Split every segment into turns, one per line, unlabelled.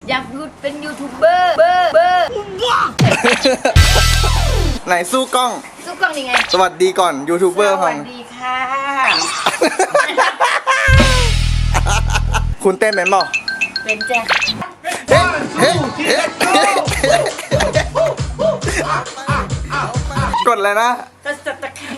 อยากเป็นยูทูบเบอร์
ไหนสู้กล้อง
นี่ไง
สวัสดีก่อนยูทูบเบอร์
สวัสดีค่ะ
คุณเต้นเป็นเปล่า
เป็นแจ๊
กดเลยนะ
ก็สับตะไคร้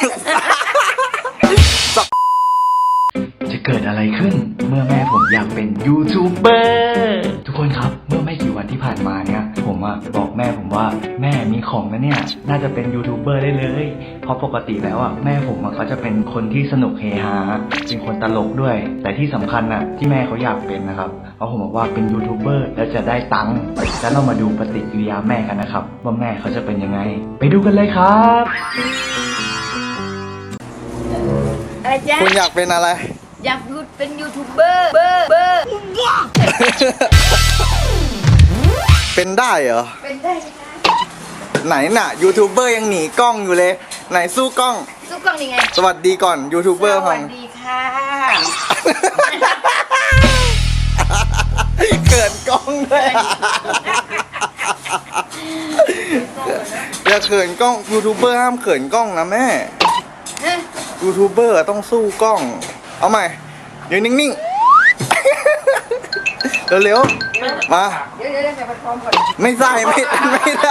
จะเกิดอะไรขึ้นเมื่อแม่ผมอยากเป็นยูทูบเบอร์ทุกคนครับเมื่อไม่กี่วันที่ผ่านมาเนี่ยผมบอกแม่ผมว่าแม่มีของนะเนี่ยน่าจะเป็นยูทูบเบอร์ได้เลยเพราะปกติแล้วแม่ผมเขาจะเป็นคนที่สนุกเฮฮาเป็นคนตลกด้วยแต่ที่สำคัญที่แม่เขาอยากเป็นนะครับเพราะผมบอกว่าเป็นยูทูบเบอร์แล้วจะได้ตังค์แล้วเรามาดูปฏิกิริยาแม่กันนะครับว่าแม่เขาจะเป็นยังไงไปดูกันเลยครับ
อะไรจ๊ะ
คุณอยากเป็นอะไร
อยากเป็นยูทูบเบอร์
เป็นได้เหรอ
เป็นได้ค่ะ
ไหนน่ะยูทูบเบอร์ยังหนีกล้องอยู่เลยไหนสู้กล้อง
นี่ไง
สวัสดีก่อนยูทูบเบอร์
สวัสดีค่ะ
เกิดกล้องด้วยอย่าเขินกล้องยูทูบเบอร์ห้ามเขินกล้องนะแม่ยูทูบเบอร์ต้องสู้กล้องเอาใหม่เดี๋ยวนิ่งๆเร็วๆมา
เดี๋ยวใส่พัดพร้อมก่อน
ไม่ใส่ไม่ได้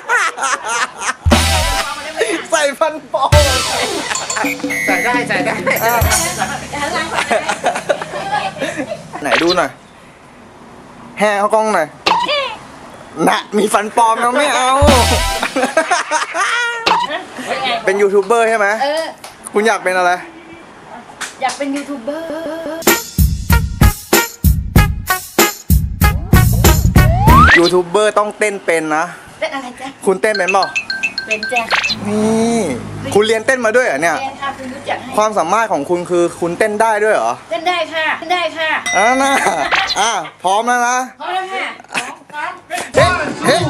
ใส่พันปอ
ใส่ได้
ไหนดูหน่อยแห่เขากล้องหน่อยน่ะมีฟันปลอมนะไม่เอาเป็นยูทูบเบอร์ใช่ไหมคุณอยากเป็นอะไร
อยากเป็นยูทูบเบอร์
ยูทูบเบอร์ต้องเต้นเป็นนะ
เต้นอะไรจ๊ะ
คุณเต้นเป็นเปล่า
เป็นจ๊ะ
นี่คุณเรียนเต้นมาด้วยเหรอเนี่ย
คุณรู้จัก
ความสามารถของคุณคือคุณเต้นได้ด้วยเหรอ
เต้นได้ค่ะ
น่ะพร้อมแล้วนะ
พร้อมแล้วค่ะ
เฮ้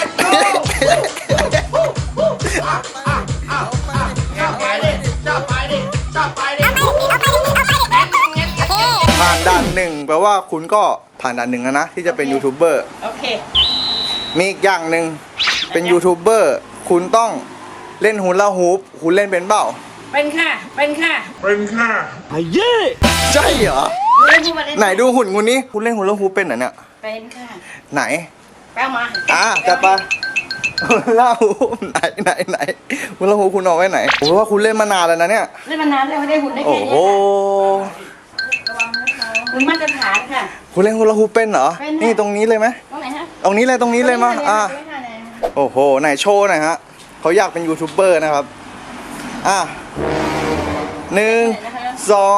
ผ่านด่านหนึ่งแปลว่าคุณก็ผ่านด่านหนึ่งแล้วนะที่จะเป็นยูทูบเบอร์
โอเค
มีอีกอย่างหนึ่งเป็นยูทูบเบอร์คุณต้องเล่นฮูลาฮูปคุณเล่นเป็นเปล่า
เป็นค่ะ
ไอ้เย่ใช่เหรอไหนดูหุ่นคุณนี้คุณเล่นฮูลาฮูปเป็นเหรอเนี่ย
เป็นค่ะ
ไหน
แป๊บมา
จัดไปฮูลาฮูปไหนฮูลาฮูปคุณเอาไว้ไหนผมว่าคุณเล่นมานานแล้วนะเนี่ย
เล่นมานานแล้วไม่ได้หุ่นได้แค่นี้
โอ้โห
คุณมาตรฐานค่ะ
คุณเล่นฮูลาฮูปเป็นเหรอนี่ตรงนี้เลยไหม
ตรงไหนฮะ
ตรงนี้เลยมาโอ้โหไหนโชว์หน่อยฮะเขาอยากเป็นยูทูบเบอร์นะครับ1 2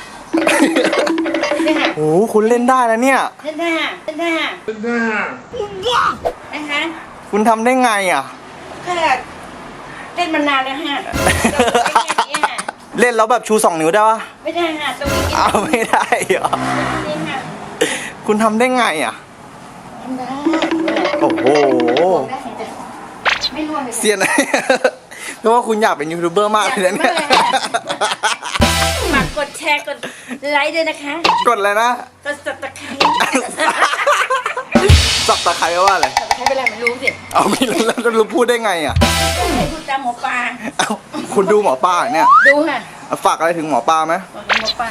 โอ้โหคุณเล่นได้แล้วเนี่ย
เล่นได้นะคะ
คุณทำได้ไง
แค่เล่นมานานแล้วฮะ
เล่นแล้วแบบชู2 นิ้วได้ปะ
ไม่ได้ฮะตรงนี้
ไม่ได้เหรอคุณทำได้ไง
ทำได้
โอ้โห
ไม่ร่วงเลย
เซียนเพราะว่าคุณอยากเป็นยูทูบเบอร์มากเลยนะเนี่ย
ฝากกดแชร์กดไลค์ด้วยนะคะ
กดเลยนะ
กดสับตะไคร้
สับตะไคร้ว่าอะไร
สับตะไคร้เป็นอะไรไม่รู้สิ
ไม่รู้แล้วจะรู้พูดได้ไง
พูดตามหมอปลา
คุณดูหมอปลาเนี่ย
ดูค่ะ
ฝากอะไรถึงหมอปลาไหม
หมอปลา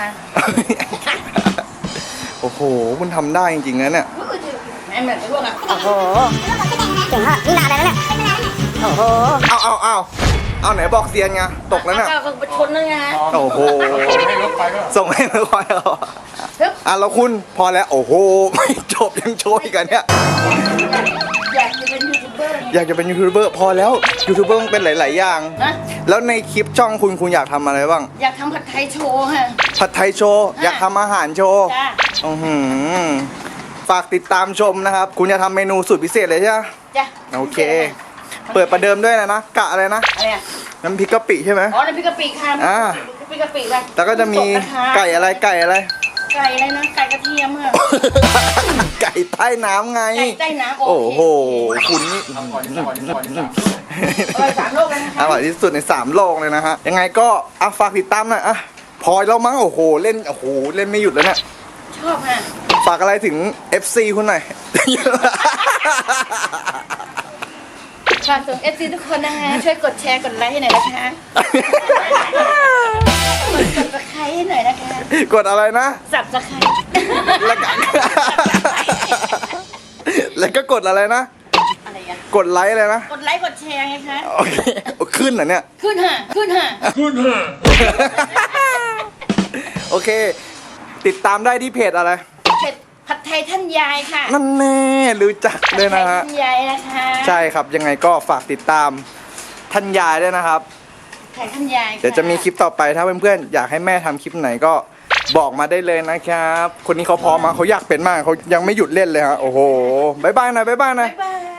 โอ้โหคุณทำได้จริงๆนะเนี่ย
ไม่เหมือนพวก
โอ้โหเก่งมากนี่นานแล้วเนี่ยโอ้โห
เอาไหนบอกเซียนไงตกแล้วเนี่ย
ไปชนนั่นไง
โอ้โหส่งให้รถไฟแล้วคุณพอแล้วโอ้โหไม่จบยังโชว์อีกกันเนี่ย
อยากจะเป็นยูทูบเบ
อร์พอแล้วยูทูบเบอร์ต้องเป็นหลายๆอย่างแล้วในคลิปช่องคุณอยากทำอะไรบ้าง
อยากทำผัดไทยโชว์ค่ะ
ผัดไทยโชว์อยากทำอาหารโชว์ฝากติดตามชมนะครับคุณจะทำเมนูสุดพิเศษเลยใช่ไหม
จ้ะ
โอเคเปิดประเดิมด้วยนะกะอะไรนะน้ำพริกกะปิใช่ไหม
น้ำพริกกะปิค่ะน้ำพริกกะปิเลย
แล้วก็จะมีไก่อะไร
นะไก่กระเทียมค่ะ
ไก่ใต้น้ำไง
ไก่ใต้น้ำ
โอ้โหคุณนี่
3 โลกเลยนะคะ
อร่อยที่สุดใน3 โลกเลยนะฮะยังไงก็ฝากติดตามหน่อยพอแล้วมั้งโอ้โหเล่นไม่หยุดแล้วเนี่ย
ชอบค่ะ
ฝากอะไรถึง FC คุณหน่อย
ฝากถึง FC ทุกคนนะคะช่วยกดแชร์กดไลค์ให้หน่อยนะคะกด subscribe ให้หน่อยนะคะ
กดอะไรนะ
subscribe
แล้วก็ แล้วก็กดอะไรนะ
อะไรอ่ะ
กดไลค์เลยนะ
กดไลค์กดแชร์ไงคะ
โอเค ขึ้นเหรอเนี่ย
ขึ้นค่ะขึ้นค่ะ
โอเค ติดตามได้ที่เพจอะไร
เผ็ดผัดไทยท่านยายค่ะ
นั่นแน่รู้จักเลยนะฮะ
ผัดไทยท่านยายนะคะ
ใช่ครับ ยังไงก็ฝากติดตามท่านยายด้วยนะครับ
ไทยท่านยาย
เดี๋ยวจะมีคลิปต่อไปถ้าเพื่อนๆอยากให้แม่ทำคลิปไหนก็บอกมาได้เลยนะครับ คนนี้เขาพร้อมมาเขาอยากเป็นมากเขายังไม่หยุดเล่นเลยฮะโอ้โหบายบายหน่อยบายบายหน่อย
บ๊ายบาย